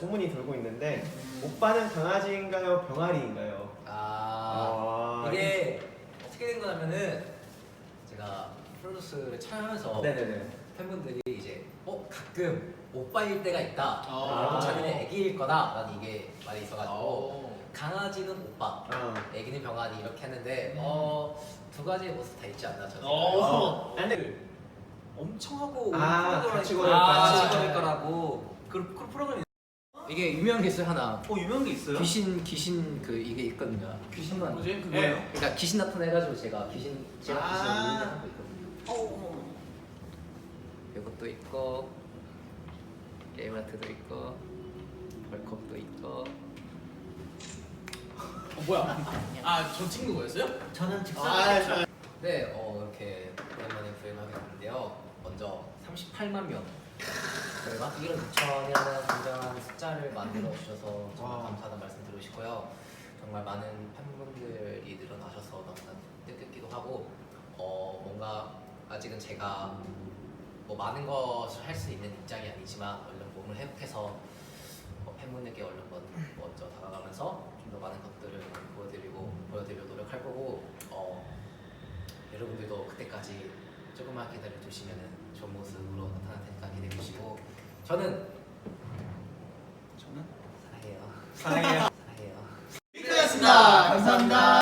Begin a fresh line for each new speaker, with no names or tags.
소문이 돌고 있는데 오빠는 강아지인가요, 병아리인가요?
이게 어떻게 된 거냐면은 제가 프로듀스를 촬영하면서
네네네.
팬분들이 이제 가끔 오빠일 때가 있다. 자기는 애기일 거다라는 이게 말이 있어가지고 강아지는 오빠, 애기는 병아리 이렇게 했는데 두 가지의 모습 다 있지 않나 저는.
근데
엄청 하고
같이 걸을
거라고 그 프로그램이 이게 유명한 게 있어요 하나.
유명한 게 있어요?
귀신 그 이게 있거든요. 귀신만.
뭐지? 그 뭐예요?
그러니까 귀신 나타내가지고 제가 귀신을 하는 거 있거든요. 이것도 있고 게임아트도 있고 벌컵도 있고.
뭐야? 저 찍는 거였어요?
저는
네, 이렇게 오랜만에 구입하게 됐는데요. 먼저 38만 명. 저희가 1억 2천이라는 굉장한 숫자를 만들어 주셔서 정말 감사하다는 말씀 드리고 싶고요. 정말 많은 팬분들이 늘어나셔서 너무나 뜻깊기도 하고 뭔가 아직은 제가 뭐 많은 것을 할 수 있는 입장이 아니지만 얼른 몸을 회복해서 팬분들께 얼른 먼저 다가가면서 좀 더 많은 것들을 보여드리려 노력할 거고 여러분들도 그때까지 조금만 기다려 주시면 좋은 모습으로 나타날 테니까 기대해 주시고 저는 사랑해요.
사랑해요.
사랑해요.
감사합니다.